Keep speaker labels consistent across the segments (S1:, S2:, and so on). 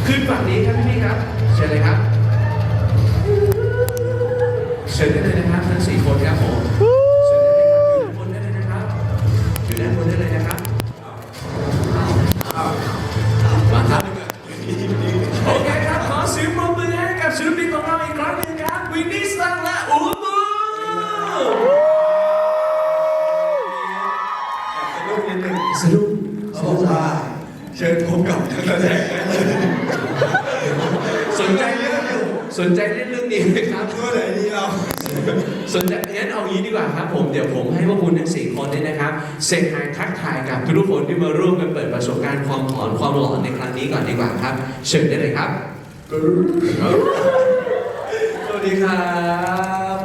S1: ขึ้นฝั่งนี้ครับพี่ครับเชิญเลยครับเชิญได้เลยนะครับทั้ง4คนครับผมเชิญได้เลยครับอยู่ด้านบนได้เลยนะครับมาครับโอเคครับขอเสียงปรบมือให้กับศิลปินของเราอีกครั้งหนึ่งครับวินนี่สตังและอูบูสนุกเขาบอกว่าเชิญพบกับนักแสดงสนใจเล่นเรื่องนี้ไหมครับก็เลยนี่เราสนใจงั้นเอางี้ดีกว่าครับผมเดี๋ยวผมให้พวกคุณทั้ง4คนเนี่ยนะครับเซ็นไฮทักทายกับทุกคนที่มาร่วมกันเปิดประสบการณ์ความหลอนในครั้งนี้ก่อนดีกว่าครับเชิญได้เลยครับสวัสดีครับ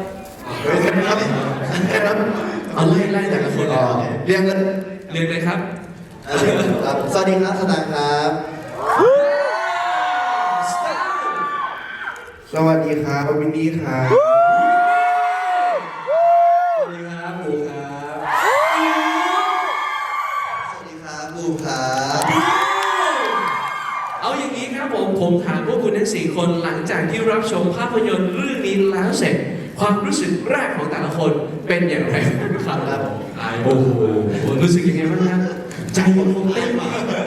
S1: เอาไล่แต่ละคน
S2: เรียง
S1: เลยครับ
S2: สวัสดีครับสตางค์ครับสวัสดีครับวินนี่ครับ
S1: สวัสดีครับบูครับ
S2: สวัสดีครับบูครับ
S1: เอาอย่างนี้ครับผมถามพวกคุณทั้ง4คนหลังจากที่รับชมภาพยนตร์เรื่องนี้แล้วเสร็จความรู้สึกแรกของแต่ละคนเป็นอย่างไรครับโอ้โหรู้สึกยังไงบ้างครับใจมันคงเต้นมา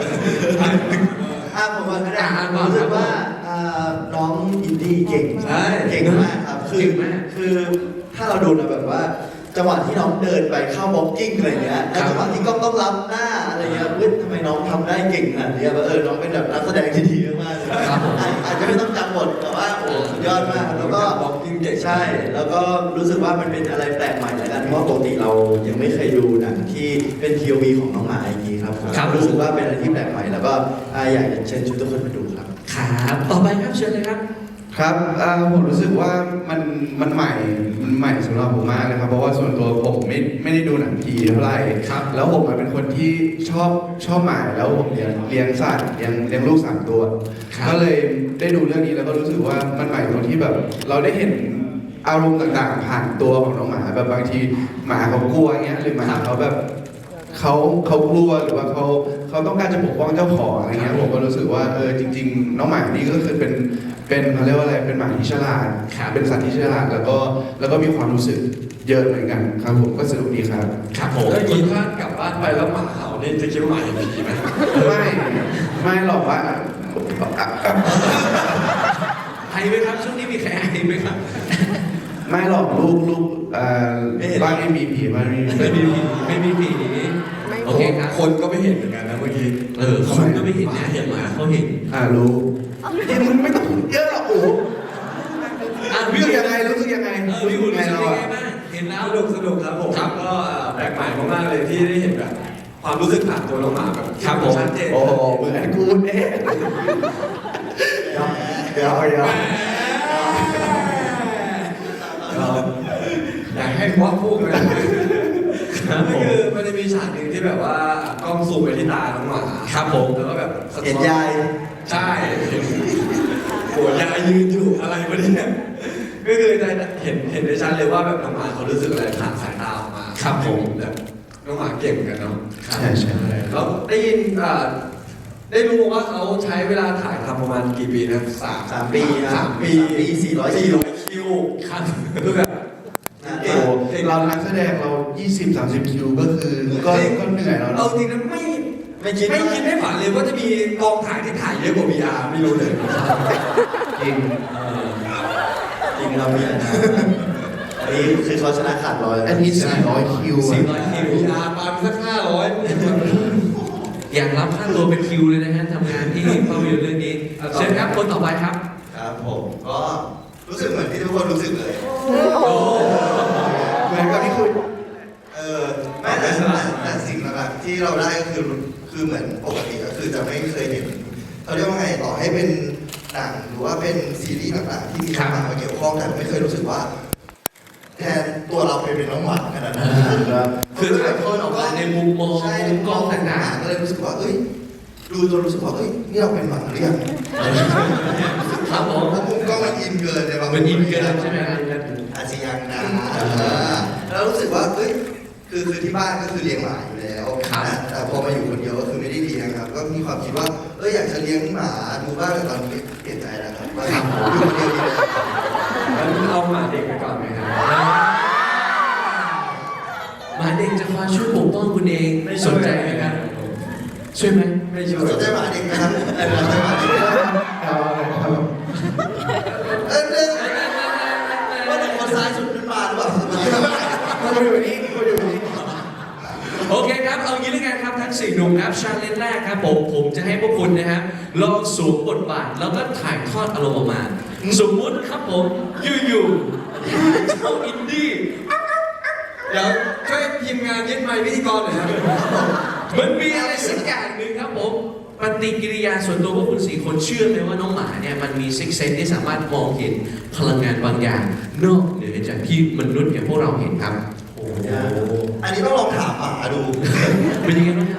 S2: ผมว่ารู้สึกว่าน้องอินดี้เก่งเก่งมากครับคือถ้าเราดูนะแบบว่าจังหวะที่น้องเดินไปเข้าบ็อกกิ้งอะไรเงี้ยจังหวะที่ก็ต้องรับหน้าอะไรเงี้ยทำไมน้องทำได้เก่งขนาดนี้น้องเป็นแบบนักแสดงที่ดีมากเลยอาจจะไม่ต้องจำบทแต่ว่าโอ้สุดยอดมากแล้วก็บ็อกกิ้งเก่งใช่แล้วก็รู้สึกว่ามันเป็นอะไรแปลกใหม่แล้วกันเพราะปกติเรายังไม่เคยดูหนังที่เป็น POV ของน้องหมาอย่างนี้ครับรู้สึกว่าเป็นอะไรที่แปลกใหม่แล้วก็อยากจะเชิญชวนทุกคนมาดูครับ
S1: ครับต่อไปครับเชิญเลยครับ
S3: ครับผมรู้สึกว่ามันใหม่สำหรับผมมากเลยครับเพราะว่าส่วนตัวผมไม่ได้ดูหนังผีเท่าไหร่ครับแล้วผมเป็นคนที่ชอบหมาแล้วผมเลี้ยงสัตว์เลี้ยงลูก3 ตัวก็เลยได้ดูเรื่องนี้แล้วก็รู้สึกว่ามันใหม่ตรงที่แบบเราได้เห็นอารมณ์ต่างๆผ่านตัวของน้องหมาแบบบางทีหมาเขากลัวเงี้ยหรือหมาเขาแบบเขากลัวหรือว่าเขาต้องการจะปกป้องเจ้าของอะไรเงี้ยผมก็รู้สึกว่าจริงๆน้องหมานี่ก็คือเป็นเขาเรียกว่าอะไรเป็นหมาที่ฉลาดเป็นสัตว์ที่ฉลาดแล้วก็มีความรู้สึกเยอะเหมือนกันครับผมก็สนุกดีครับ
S1: ครับผม
S4: ถ้ากินข้าวกลับบ้านไปแล้วหมาเห่านี่จะคิดว่าหมาอย่างนี้ไหม
S3: ไม่หรอกว่า
S1: ไอไหมครับช่วงนี้มีใครไอไหมครับ
S3: ไม่หรอกลูกบ้านไม่มีผีบ้านไม่
S1: มีผีโอเคครับ
S4: คนก็ไม่เห็นเหมือนกันนะเมื่อกี้
S1: คนก็ไม่เห็นนะเห็นไหมเขาเห็น
S3: รู้มึงไม่ต้องพูดเยอะหรอกโอ้รู้สึกยังไง
S1: พี่คุณรู้สึกยังไงบ้างเห็นแล้ว
S4: สนุกครับผมก็แปลกใหม่มากๆเลยที่ได้เห็นแบบความรู้สึกผ่านตัวน้องหมาแบบชัดเจน
S3: โอ้เหมือนกูเนี่ยเดี๋ยว
S4: อยากให้ว่าพูดเลยก็คือมันจะมีฉากหนึ่งที่แบบว่ากล้องซูมไปที่ตาน้องหมา
S1: ครับผม
S4: แล้วก็แบบ
S2: เห็นยาย
S4: ใช่โหยายยืนอยู่อะไรวะเนี่ยก็คือได้เห็นได้ชัดเลยว่าแบบน้องหมาเขารู้สึกอะไรผ่านสายตาออกมา
S1: ครับผม
S4: แบบน้องหมาเก่งกันเนาะ
S3: ใช่
S4: แล้วได้ยินได้รู้ว่าเขาใช้เวลาถ่ายทำประมาณกี่ปีนะ
S2: 3 ปี400
S4: คิว
S1: ครับ
S4: คือแบบ
S3: เรานักแสดงเรา20-30 คิวก็คือก็เหนื่อยแล้ว
S4: เอาจริงนะไม่คิดไม่ฝันเลยว่าจะมีกองถ่ายที่ถ่ายเยอะกว่า VR ไม่รู้เลย
S3: จริง
S2: เรามีอันนี้คือเขาชนะขาดร้อย
S3: อันนี้400 คิว
S4: VR ปาสัก500
S1: อยากรับค่าตัวเป็นคิวเลยนะฮะทำงานที่ภาพยนตร์เรื่องนี้เชิญครับคนต่อไปครับ
S2: ครับผมก็รู้สึกเหมือนที่ทุกคนรู้สึกเลย
S3: เหมือนกับที่คุณ
S2: แต่สิ่งหลักๆที่เราได้ก็คือเหมือนปกติก็คือจะไม่เคยเห็นเขาเรียกว่าไงต่อให้เป็นหนังหรือว่าเป็นซีรีส์ต่างๆที่มีน้องหมามาเกี่ยวข้องแต่ไม่เคยรู้สึกว่าแทนตัวเราไปเป็นน้องหมาขนาดนั้น
S1: คือถ่ายทอดออกมาในมุมมองมุมกล้องต่างๆ
S2: ก็เลยรู้สึกว่าดูจนรู้สึกว่านี่เราเป็นหมาหรือยัง
S1: ครับผม
S2: มุมกล้องมันอินเกินเลย
S1: มันอินเกินใช่ไหมครับ
S2: อาจจะยังนะแล้วรู้สึกว่าคืคือที่บ้านก็คือเลี้ยงหมาอยู่แล้ว
S1: ครับ
S2: นะแต่พอมาอยู่คนเดียวก็คือไม่ได้เลี้ยงครับ ก็มีความคิดว่าอยากจะเลี้ยงหมาดูบ้างแต่ตอนนี้เปลี่ยนใจแล้วครับว่าอยู่คนเดียวดีแล้ว
S4: งั้นเอาหมาเด็กไปก่อนไหมครับ
S1: หมาเด็กจะคอยช่วยปกป้องคุณเองสนใจไหมครับ ช่วยไหม
S4: ไม่ช่วย
S2: สนใจหมาเด็กนะครับสนใจหมาเด็กนะครับ
S3: เอาอะไรครับ
S2: เรื่องว่าแต่คนซ้ายสุดเป็นหมาหรือเปล่า
S3: มาอยู่นี่มาอยู่นี่
S1: โอเคครับ เอางี้แล้วกันครับทั้ง4หนุ่มครับชาเลนจ์แรกครับผมจะให้พวกคุณนะครับลองสวมบทบาทแล้วก็ถ่ายทอดอารมณ์ออกมา สมมุติครับผมอยู่ๆเจ้าอินดี้
S4: เดี๋ยวช่วยทีมงานยึดไมค์พิธีกรหน่อยครับ
S1: มันมีอะไรสักอย่างหนึ่งครับผมปฏิกิริยาส่วนตัวพวกคุณ4คนเชื่อไหมว่าน้องหมาเนี่ยมันมีซิกเซนที่สามารถมองเห็นพลังงานบางอย่างนอกเหนือจากที่มนุษย์อย่างพวกเราเห็นครับ
S4: โอ้โห
S2: อันนี้ต้องลองถามหมาดู
S1: เป็นยังไงบ้างครับ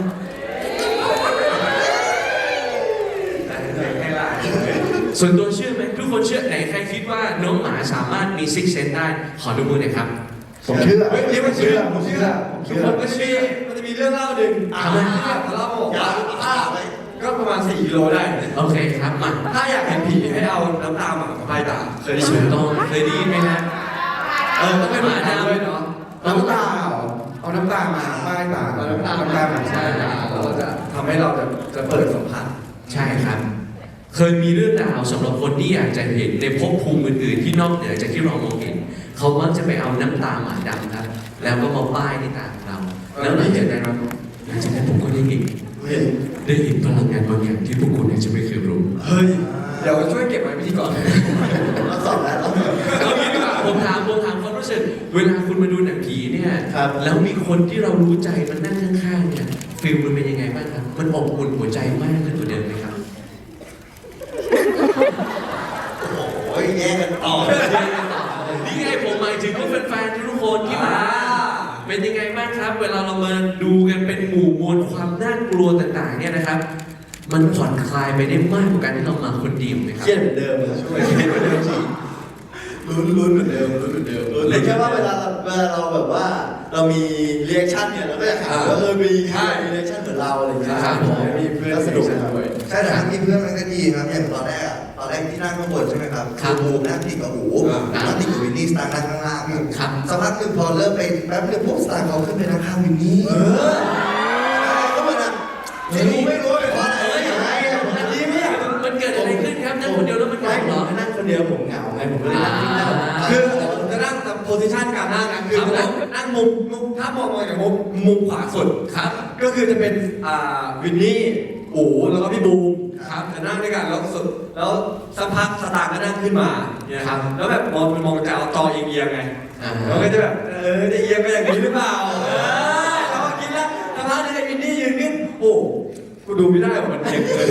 S4: ให้หลาน
S1: ส่วนตัวเชื่อไหมทุกคนเชื่อไหนใครคิดว่าน้องหมาสามารถมีซิกเซนได้ขอดูมือหน่อยครับ
S3: ผมเชื่อ
S4: เฮ้ยเรียกว่าเชื่อผมเชื่อ
S3: ผม
S4: ทุก
S3: เชื่อ
S4: คนก็เชื่อมันจะมีเรื่องเล่าหนึ่ง
S1: ทำไม
S4: เขาเล่าบอก
S2: อย่า
S4: ว่า
S2: อ้าไป
S4: ก็ประมาณ4 กิโลได้
S1: โอเคครับมา
S4: ถ้าอยากเห็นผีให้เอาน้ำตาหมามาป้ายตาเคยได้
S1: ถู
S4: ยิน
S1: ก
S4: ไหม
S1: ต้องเคยได้ยินไหมฮะ
S4: ต้องเป็นหมาดำด้วยเนาะ
S3: น้ำตาเหรอเอาน้ำตามาป้ายตา
S4: เอาน้ำตา
S3: น้ำตามา
S4: ใช่
S3: ใช่
S4: แล้วเราจะทำให้เราจะเปิดสัมผัส
S1: ใช่ครับ เคยมีเรื่องราวสำหรับคนที่อยากจะเห็นในภพภูมิอื่นๆที่นอกเหนือจากที่เรามองเห็น เขามักจะไปเอาน้ำตาหมาดำครับ แล้วก็มาป้ายที่ตาของเรา แล้วหลังจากนั้นผมก็ได้เห็นพลังงานบางอย่างที่พวกคุณอาจจะไม่เคยรู้
S4: เฮ้ย เดี๋ยวช่วยเก็บไว้พิธีกร
S2: เราสอบแล้วเราสอบ
S1: เอางี้ดีกว่าผมถามความรู้สึกเวลาคุณมาดูหนังผีเนี่ย
S2: ครับ
S1: แล้วมีคนที่เรารู้ใจมันนั่งข้างๆเนี่ยฟีลมันเป็นยังไงบ้างครับ มันอบอุ่นหัวใจมากขึ้นกว่าเดิมไหมครับ
S2: โอ้ยแย่งกันต่อ
S1: นี่ไงผมหมายถึงว่าแฟนๆทุกคนที่มาเป็นยังไงบ้างครับ เวลาเรามาดูกันเป็นหมู่มวลความน่ากลัวต่างๆเนี่ยนะครับ มันผ่อนคลายไปได้มากกว่าการที่เรามาคนเดียวไหมค
S2: เค
S1: รับ
S2: รียดเหมือนเดิมนะช่วยเครียดเหมือนเดิมจริงลุ้นเหมือนเดิมเลยแค่ว่าเวลาเราแบบว่าเรามีเรีแอคชั่นเนี่ยเราก็อยากหาว่ามีเรีแอคชั่นเหมือนเราอะไรอย่างเงี้ย
S1: ครับผม
S2: มีเพื่อนสนุกด้วยใช่แต่ถ้ามีเพื่อนมันก็ดีครับอย่างตอนแรกที่นั่งข้างบนใช่ไหมครับบูมนั่งติดกับหูนั่งติดกับวินนี่สตาร์นั่งข้างล่าง
S1: ครับ
S2: สักพักหนึ่งพอเริ่มไปแป๊บนึงปุ๊บสตาร์เขาขึ้นไปนั่งข้างวินนี่ก็เหมือนไม่รู้ว่าเป็นเพราะอะไรอันนี้ไม่อยาก
S1: มันเกิดอะไรขึ้นครับนั่งคนเดียวแล้วมันเหงาเหรอ
S2: นั่งคนเดียวผมเหงาไงผมก็เลยนั่งที่นั่ง
S4: คือผมจะนั่งตามโพสิชันการนั่งนะคือจะนั่งมุมถ้ามองจากมุมขวาสุด
S1: ครับ
S4: ก็คือจะเป็นวินนี่อู๋แล้วก็พี่บูม
S1: ครับ
S4: จะนั่งด้วยกันแล้วสุดแล้วสักพักสตาร์ก็นั่งขึ้นมาเนี่ย
S1: ครับ
S4: แล้วแบบมองจะเอาจอเอียงๆไง
S1: อ่า
S4: แล้วก็จะแบบจะเอียงไปอย่างนี้หรือเปล่าเราก็คิดแล้วสักพักนึงไอ้วินนี่ยืนขึ้นโอ้กูดูไม่ได้ว่ามันเอียงเลย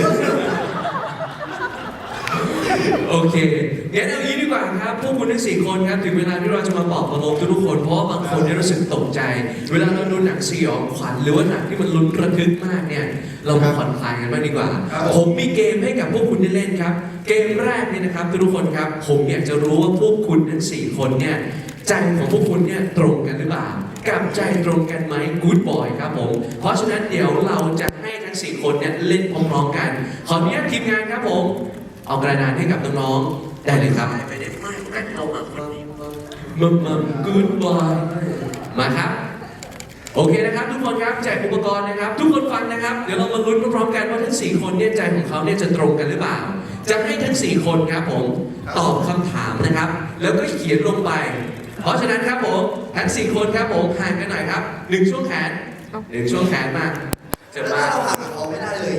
S1: โอเคงั้นเอางี้ดีกว่าครับ พวกคุณทั้ง4คนครับ ถึงเวลาที่เราจะมาบอกประโลมทุกๆคน เพราะว่าบางคนเนี่ยรู้สึกตกใจ เวลาเราดูหนังสยองขวัญหรือว่าหนังที่มันลุ้นระทึกมากเนี่ย เรามาผ่อนคลายกันบ้างดีกว่า ผมมีเกมให้กับพวกคุณได้เล่นครับ เกมแรกนี่นะครับทุกคนครับ ผมอยากจะรู้ว่าพวกคุณทั้ง4คนเนี่ย ใจของพวกคุณเนี่ยตรงกันหรือเปล่า กับใจตรงกันไหมกู๊ดบอยครับผม เพราะฉะนั้นเดี๋ยวเราจะให้ทั้ง4คนเนี่ยเล่นพร้อมๆกัน ขออนุญาตทีมงานครับผม เอากระดานให้กับน้องๆ ได้เลยครับไม่ได้ไม่เอามากู๊ดบอยมาครับ โอเคนะครับทุกคนครับแจกอุปกรณ์นะครับ ทุกคนฟังนะครับ เดี๋ยวเรามาลุ้นพร้อมๆกันว่าทั้ง4คนเนี่ยใจของเขาเนี่ยจะตรงกันหรือเปล่า จะให้ทั้ง4คนครับผมตอบคำถามนะครับ แล้วก็เขียนลงไป เพราะฉะนั้นครับผมทั้ง4คนครับผมห่างกันหน่อยครับ1ช่วงแขน1ช่วงแขนมาจะ
S2: ถ้า
S1: มา
S2: เราห่างกับเขาไม่ได้เลย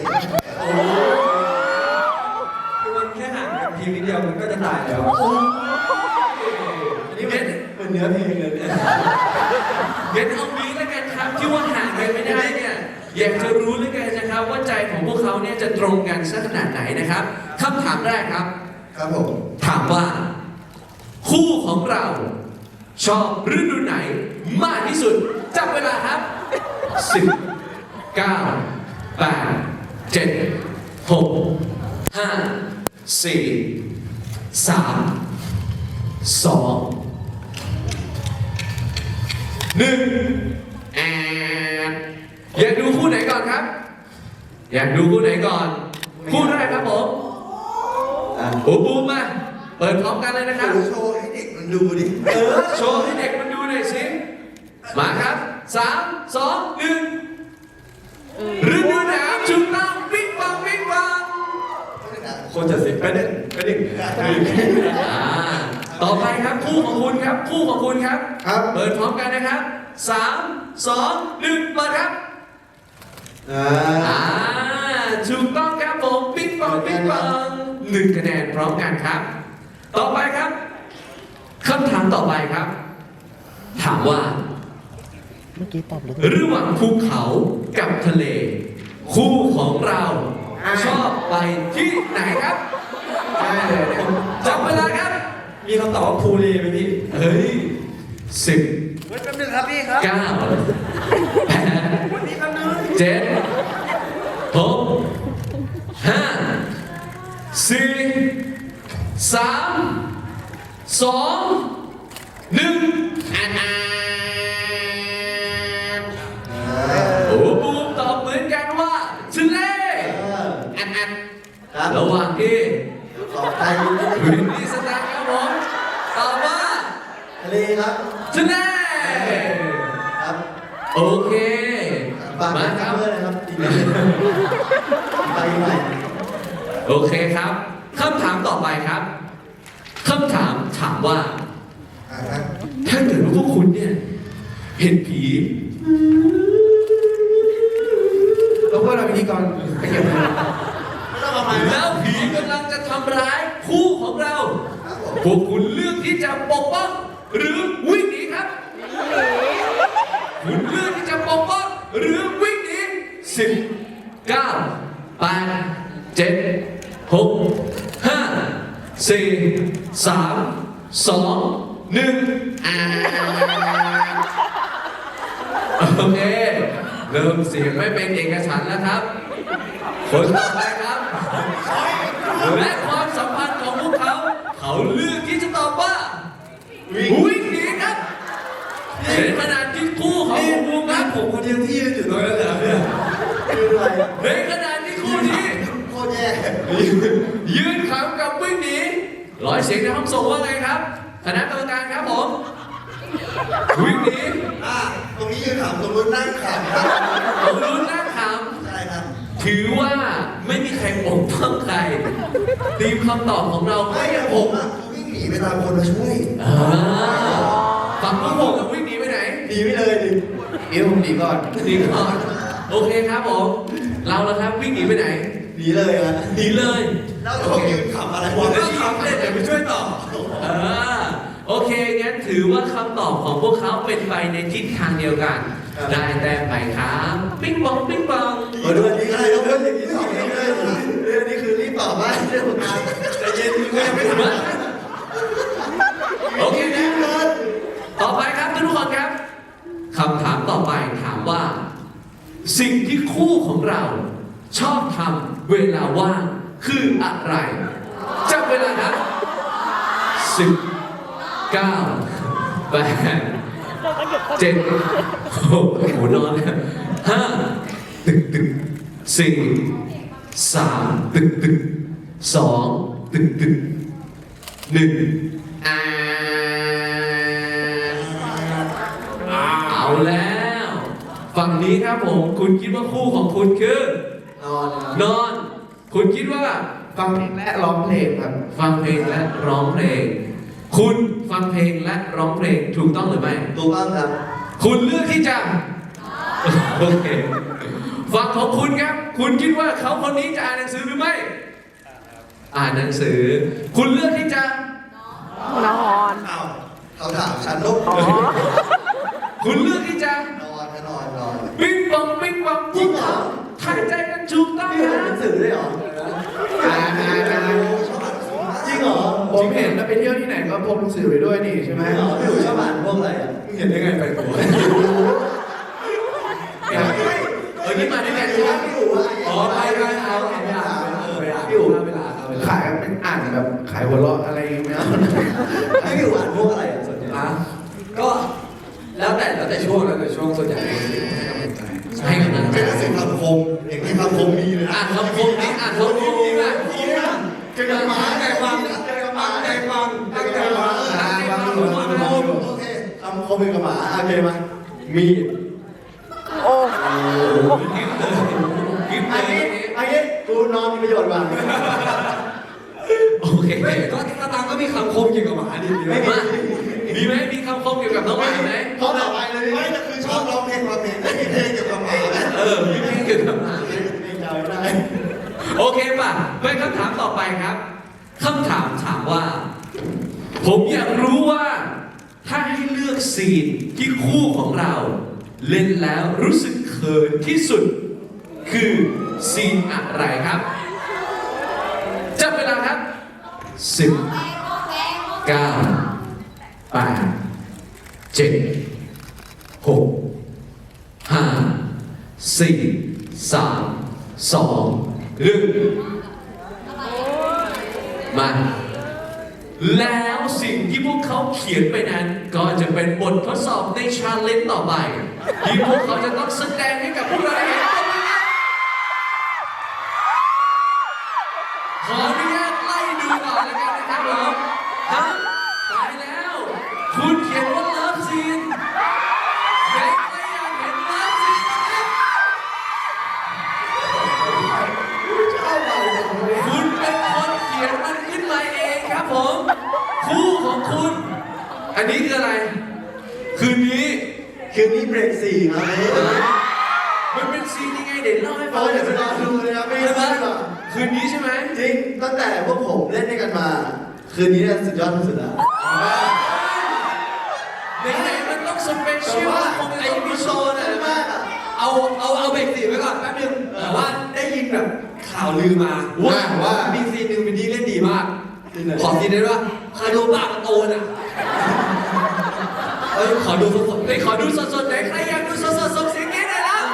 S4: คือมันแค่ห่างกันทีนิดเดียวมันก็จะตายแล้ว
S1: อันนี้เป็น
S2: เป็นเนื้อเพลงเลยเนี่ย
S1: เดี๋ยวเอางี้แล้วกันครับที่ว่าห่างกันไม่ได้เนี่ยอยากจะรู้แล้วกันนะครับ ว่าใจของพวกเขาเนี่ยจะตรงกันสักขนาดไหนนะครับคำถามแรกครับ
S2: ครับผม
S1: ถามว่า คู่ของเราชอบฤดูไหนมากที่สุดจับเวลาครับ 10 9 8 7 6 5 4 3 2 1 แออยากดูคู่ไหนก่อนครับ อยากดูคู่ไหนก่อน คู่แรกครับผมโอ้บูมมาเปิดพร้อมกันเลยนะครับ
S2: โชว์ให้เด็กมันดูดิ
S1: โชว์ให้เด็กมันดูหน่อยสิ มาครับ3 2 1ฤดูหนาวชุดต้องปิ๊งปังปิ๊งปัง
S4: คนจะสิบไปหนึ่ง
S1: ต่อไปครับคู่ของคุณครับคู่ของคุณครับ
S3: ครับ
S1: เปิดพร้อมกันนะครับ3 2 1เปิดครับถูกต้องครับผมปิ๊งปังปิ๊งปัง1 คะแนนพร้อมกันครับ ต่อไปครับคำถามต่อไปครับ ถามว่า
S5: เมื่อกี้ตอบเลย
S1: ระหว่างภูเขากับทะเล คู่ของเราชอบไปที่ไหนครับได้เลยจับเวลาครับ
S4: มีคำตอบว่าภูรีไหมพี่
S1: เฮ้ย10
S2: แป๊บนึงครับพี่ครับ
S1: 9 8 7 6 5 4 3 2 1โอ้บูมตอบเหมือนกันว่าทะเลระหว่างที่
S2: ต่อไป
S1: วินนี่สแตนครับผมตอบว่า
S2: ทะเลครับ
S1: ทะเล
S2: ครับ
S1: โอเค
S2: ฝาก
S1: มา
S2: นะ
S1: ค
S2: ค
S1: รั
S2: รับบ เพื่อนนะครับดีนะไปใหม่
S1: โอเคครับคำถามต่อไปครับคำถามถามว่า ถ้าเกิดว่าพวกคุณเนี่ยเห็นผี
S3: แล้วก็เราพิธีกรไปเก็บเงิน
S1: แล้วผีกำลังจะทำร้ายคู่ของเรา พวกคุณเลือกที่จะปกป้องหรือวิ่งหนีครับ คุณเลือกที่จะปกป้องหรือวิ่งหนี10 9 8 7 6 5 4 3 2 1โอเคเริ่มเสียงไม่เป็นเอกฉันท์แล้วครับ คนต่อไปครับ และความสัมพันธ์ของพวกเขา เขาเลือกที่จะตอบว่าวิ่งหนีครับในขณะที่คู่ของคุณบูมครับ
S4: ผมคนเดียวที่ยืนอยู่ตรงนั้นเหรอเนี่ย
S2: คืออะไร
S1: ในขณะที่คู่นี้
S2: โคตรแย่
S1: ยืนขำกับวิ่งหนีร้อยเสียงในห้องส่งว่าไงครับคณะกรรมการครับผมวิ่งหนี
S2: ตรงนี้ยืนขำตรงนู้นนั่งขำครับ
S1: ผมรู้นั่งข
S2: ใช่ครับ
S1: ำถือว่าไม่มีใครปกป้องใครทีมคำตอบของเรา
S2: ไม่
S1: ไม่
S2: อะ
S1: ป
S2: ผ
S1: ก
S2: มอะวิ่งหนีไปตามคนมาช่วย
S1: ฝั่งพวกผมกับวิ่งหนีไปไหน
S2: หนีไปเลยดิ
S3: เดี๋ยวผมหนีก่อน
S1: หนีก่อนโอเคครับผม เราละครับวิ่งหนีไปไหน
S2: หนีเลยอะ
S1: หนีเลย
S2: แล้วผมยืนขำอะไร
S4: ผม
S2: วะ
S4: ก็ทำเลยเดี๋ยวไปช่วยต่อ
S1: โอเคงั้นถือว่าคำตอบของพวกเขาเป็นไปในทิศทางเดียวกัน ได้แต้มไปครับปิ๊งปองปิ๊งปอง
S2: มาดูอันนี้อะไรแล้วเพื่อนอย่างนี้สองนี้เลยเรื่องนี้คือรีบตอบว่าเรื่องของการใจเย็นมึงก็ยังไม่ทำ
S1: โอเคนะต่อไปครับทุกคนครับคำถามต่อไปถามว่า สิ่งที่คู่ของเราชอบทำเวลาว่างคืออะไรจับเวลานะ10 9 8 7 6โอ้โหนอนแล้ว5 ตึกตึก4 3 ตึกตึก2 ตึกตึก1เอาแล้ว ฝั่งนี้ครับผม คุณคิดว่าคู่ของคุณคือน
S2: อน
S1: นอน คุณคิดว่า
S3: ฟังเพลงและร้องเพลงครับ
S1: ฟังเพลงและร้องเพลง คุณฟังเพลงและร้องเพลงถูกต้องหรือไม่
S2: ถูกต้องครับ
S1: คุณเลือกที่จะ โอเคฝั่งของคุณครับ คุณคิดว่าเขาคนนี้จะอ่านหนังสือหรือไม่ อ่านหนังสือ คุณเลือกที่จะ
S5: นอน
S2: อ้าวเขาถามฉันลูก
S5: อ๋อ
S1: คุณเลือกที่จะ
S2: นอนก็นอนนอน
S1: ปิ๊งปองปิ๊งปองพวกเขาทายใจกันถูกต้อง
S2: พี่
S1: นะ
S2: อ่านหนังสือด้วยเหรอ
S3: อ่าน
S2: ชอบอ่านหนังสือมากจริงเหรอ
S3: ผมเห็นแล้วไปเที่ยวที่ไหนก็พกหนังสือไปด้วยนี่ใช่ไหม
S2: ไม่เหรอพี่หนูชอบอ่านพวกอะไรอ่ะ
S4: มึงเห็นได้ไงไปตัว
S1: นี่มาด้วยกันใช่ไหม
S2: พี่หนูอ่ะ
S4: อ๋อไปเอา
S2: พี่หนูอ่าน
S3: อยู่ขายเป็นอ่านแบบขายหัวเราะอะไรไม่เอา
S2: พี่หนูอ่านพวกอะไรอ่ะส่วนใหญ่
S4: ก็แล้วแต่ช่วงส่วนใหญ่ให้กำลังใจ
S1: ให้กำลังใจ
S2: เป็นเสียงคำคมอย่างนี้คำคมมีเลย
S1: อ่านคำคมนี้อ่านคำคมนี้มา
S2: เจอกันมาใจฟังเจอกันมาใจฟังตั้งใจฟังโอเคคำคมเป็นกับหมาโอเคมามี
S5: โอ้
S1: กิ๊บ
S2: อัน
S1: เล
S2: นี้
S1: ย
S2: อันนี้กูนอนมีประโยชน์กว่า
S1: โอเค
S4: ไม่ก็สตางค์ก็มีคำคมเกี่ยวกับหมาดี
S2: ไม่
S1: มามีไหมมีคำคมเกี่ยวกับน้องหมาไหม
S2: เขาต่อไปเลยไม่แต่คือชอบร้องเพลงมาเพลงไม่มีเพลงเกี่ยวกับหมา
S1: มีเพลงเกี่ยวกับหมาไหม
S2: เพลงจำไม่ได้
S1: โอเคป่ะไปคำถามต่อไปครับคำถามถามว่า ผมอยากรู้ว่า ถ้าให้เลือกซีนที่คู่ของเรา เล่นแล้วรู้สึกเขินที่สุด คือซีนอะไรครับจับเวลาครับ10 9 8 7 6 5 4 3 2 1มา แล้วสิ่งที่พวกเขาเขียนไปนั้น ก็จะเป็นบททดสอบในชาเลนจ์ต่อไป ที่พวกเขาจะต้องแสดงให้กับพวกเราได้เห็นกันนะครับขออนุญาตไล่ดูก่อนแล้วกันนะครับผมครับตายแล้ว คุณเขียนว่าเลิฟซีนใครอยากเห็นเลิฟซีนนะครับ คุณเป็นคนเขียนมันขึ้นมาเองครับผม คู่ของคุณ อันนี้คืออะไร คืนนี้
S2: คืนนี้เบรก4ครับ
S1: มันเป็นซีนยังไงเดี๋ยวเล่าให้ฟั
S2: เรา
S1: ง
S2: เดี๋ยวไปรอดูเลยนะไม่
S1: ใช่ไหม
S2: ใช่หรอ
S1: คืนนี้ใช่ไหม
S2: จริงตั้งแต่พวกผมเล่นด้วยกันมา คืนนี้เนี่ยสุดยอดที่สุดแล้ว
S1: ไหนๆมันต้องสเปเชียลคงจะต้องมีโชว์นะ
S2: มากอ่ะ
S4: เอาเบรกสีไว้ก่อนแป๊บนึงแต่ว่าได้ยินแบบข่าวลือมาว่ามีซีนหนึ่งเป็นที่เล่นดีมาก ขอซีนได้ว่าคาโดบากโตนอ่ะขอดูสดๆ
S1: ไปขอดูสดๆไหนใครอยากดูสดๆส่งเสียงกรี๊ดหน่อยแล้ว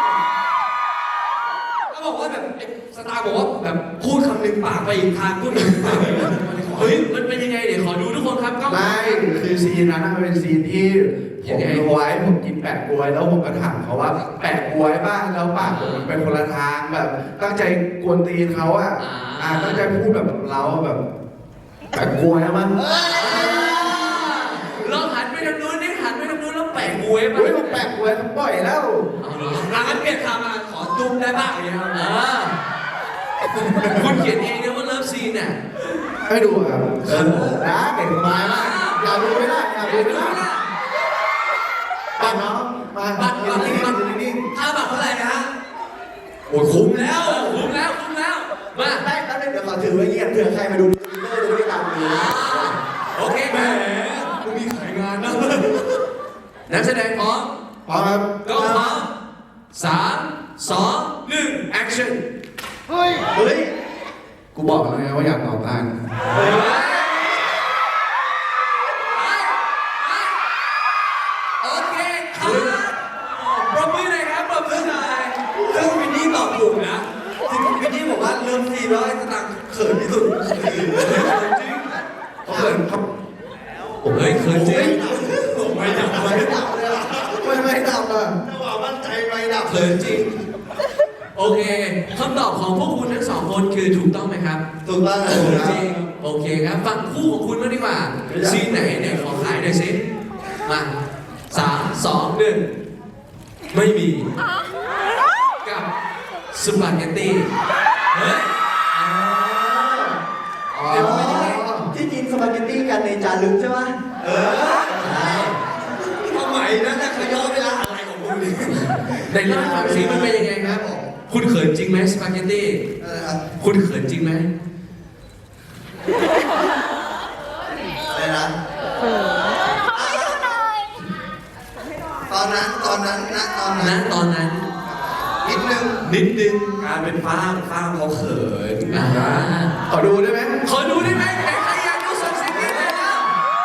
S4: ก็บอกว่าแบบสตาร์บอกว่าแบบพูดคำหนึ่งปากไปอีกทางพูดอีกปากไปอีกทาง
S1: เฮ้ย มันเป็นยังไงเดี๋ยวขอดูทุกคนครับกล้อง
S3: ไม่คือซีนนั้นมันเป็นซีนที่ผมรู้ไว้ผมกินแปะกล้วยแล้วผมก็ถามเขาว่าแปะกล้วยบ้างแล้วปากผมมันเป็นคนละทางแบบ ตั้งใจกวนตีนเขาอะตั้งใจพูดแบบเราแบบแปะกล้วยมั้ง
S1: ลองหันไปทางนู้นนี่หันไปทางนู้นแล้วแปะมวยไป
S3: เฮ้ยผมแปะกล้วยเขาปล่อยแล้ว
S4: งั้นเปลี่ยนคำมาขอจุ๊บได้บ้างอย่างเงี้ยครับ
S1: คุณเขียนเองนะว่าเลิฟซีนน่ะ
S3: ให้ดูครับนะเก่งสบายมากอยากดูไม่ได้อยากดูไม่ได้ปัดน้องมา
S4: บัตร
S3: นิ่ง
S4: ค่าบัตรเท่าไหร่นะฮะโอ้ยคุ้มแล้ว
S1: คุ้มแล้วคุ้มแล้ว มา
S2: ได้แล้วเดี๋ยวขอถือไว้เงียบเผื่อใครมาดูในทวิตเตอร์จะไม่ได้ตามดู
S1: โอเค
S4: แหม
S1: มา
S4: กูมีขายงานนะ
S1: นักแสดงพร้อม
S3: พร้อมครับ
S1: ก็พร้อม3 2 1 action
S2: เฮ้ย
S3: กูบอกแล้วไงว่าอยากต่อต้าน
S1: โอเคครับปรบมือหน่อยครับปรบมือหน่อย
S4: ซึ่งวินนี่ตอบถูกนะซึ่งวินนี่บอกว่าเริ่มซีนแล้วไอ้สตางค์เขินที่สุด
S3: เขาเขินเขา
S1: เฮ้ยเขินจริง
S4: ไม่ดับ
S2: ไม่ดับเลยอ่ะ
S3: ไม่ดับอ่ะ
S2: จังหวะมั่นใจไม่ดับ
S1: เขินจริง โอเคคำตอบของพวกคุณทั้งสองคนคือถูกต้องไหมครับ
S2: ถูกต้องนะ
S1: จริงโอเคครับฝั่งคู่ของคุณมางดีกว่าซีนไหนเนี่ยขอขายหน่อยสิมา3 2 1ไม่มีกับสปาเกตตี้เฮ้ยเดี๋ยวเป็นยังไง
S2: ที่กินสปาเกตตี้กันในจานลึกใช่ไหมใช่
S4: ทำไมนั่นน่ะเขาย้อนเวลาอะไรของคุณนี่
S1: ในเล่าให้ฟังสิมันเป็นยังไงครับ คุณเขินจริงไหมสปาเกตตี้
S2: ครับ
S1: คุณเขินจริงไหม
S2: อะไรนะตอนนั้น
S1: ตอนนั้น
S2: นิดนึง
S1: นิดนึง
S4: การเป็นฟ้ามเขาเขิน
S3: ขอดูได้ไหม
S1: ขอดูได้ไหมใครอยากดูส่งเสียงกรี๊ดเลยแล้ว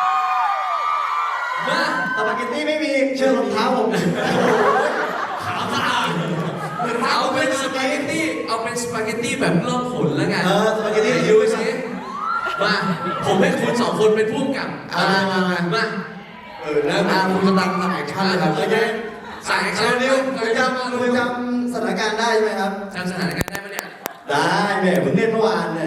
S1: มา
S2: สปาเกตตี้ไม่มีเชือกรองเท้าผม
S1: ขาวสะอาดเอาเป็นสปาเกตตี้เอาเป็นสปาเกตตี้แบบล่องหนแล้วกัน
S2: สปาเกตตี้
S1: ดูสิมาผมให้คุณสองคนเป็นผู้กำกับ
S2: มา
S1: มา
S3: แล้วคุณจะตามทำแอคชั่นเลยครับ
S2: โอเค
S1: สายแอคชั่น
S2: เร็วคุณจำสถานการณ์ได้ใช่ไหมครับ
S1: จำสถานการณ์ได้ปะเนี่ย
S2: ได้แม่เพิ่งเล่นเมื่อวานเนี่ย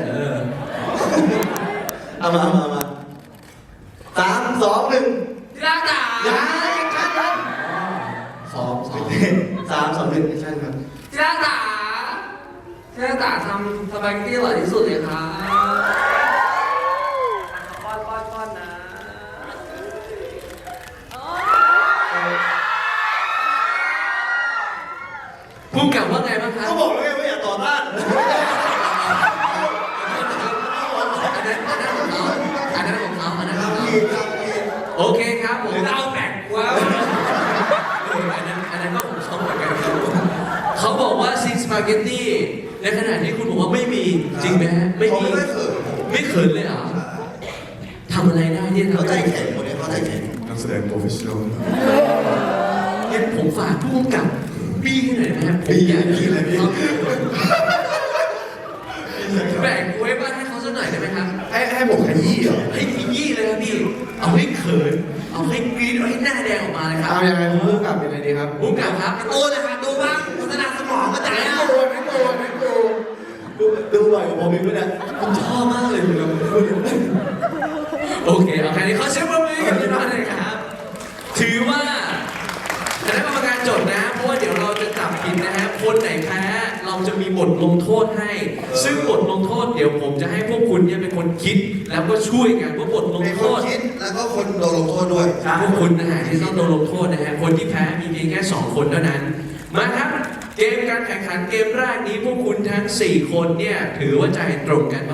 S2: เอามา3 2 1
S1: ที่รักจ๋า
S2: อย่าแอคชั่นครับ
S3: ซ้อม
S2: 3 2 1แอคชั่นครับ
S1: ที่รักจ๋าที่รักจ๋าทำสปาเกตตี้อร่อยที่สุดเลยครับป้อนนะพูดกับว่าไงบ้างครับ
S2: ก็บอกแล้วไงว่าอย่าต่อต้าน
S1: อันนั้นของเขา
S2: ครับผิด
S1: โอเคครับผม
S4: เราแบ่งว่า
S1: อันนั้นก็ของเขาเหมือนกันครับเขาบอกว่าซีนสปาเกตตี้ในขณะที่คุณบอกว่าไม่มีจริงไหมฮะไม่มี
S2: เขาไม่เขิน
S1: ไม่เขินเลยเหรอทำอะไรได้ที่
S2: เขา
S1: ทำ
S2: ใจ
S1: ได้
S2: แข็งคนนี้เขาใจแข็ง
S3: นักแสดงโปรเฟชชั่นอล
S1: งั้นผมฝากผู้กำกับบี้ให้หน่อยนะครับผมอยากกินเลยพี่แบ่งไว้บ้านให้เขาสักหน่อยได้ไหมครับ
S3: ให้ผมขยี้เหรอ
S1: ให้ขยี้เลยครับพี่เอาให้เขินเอาให้กรี๊ดเอาให้หน้าแดงออกมาเลยครับ
S3: เอายังไงพูดกับเป็นอะไรดีครับ
S1: ผู้กำกับครับ
S4: โตนะครับดูบ้างพัฒนาสมองกระจายอ่ะ
S2: ดูบ่อยกว่าผมอีกด้วยนะ
S1: ผมชอบมากเลยคุณโอเคเอาแค่นี้เขาเชื่อว่ามือกับพี่น้องเลยครับถือว่าคณะกรรมการจดนะเพราะว่าเดี๋ยวเราจะจับผิดนะฮะคนไหนแพ้เราจะมีบทลงโทษให้ ซึ่งบทลงโทษเดี๋ยวผมจะให้พวกคุณเนี่ยเป็นคนคิดแล้วก็ช่วยกันว่าบทลง
S2: เป็น
S1: โท
S2: คน
S1: ษ
S2: คิดแล้วก็คนโดนลงโทษด้วย
S1: พวกคุณนะฮะที่ต้องโดนลงโทษนะฮะคนที่แพ้มีเพียงแค่2คนเท่านั้น มาครับเกมการแข่งขันเกมแรกนี้พวกคุณทั้ง4คนเนี่ยถือว่าใจตรงกัน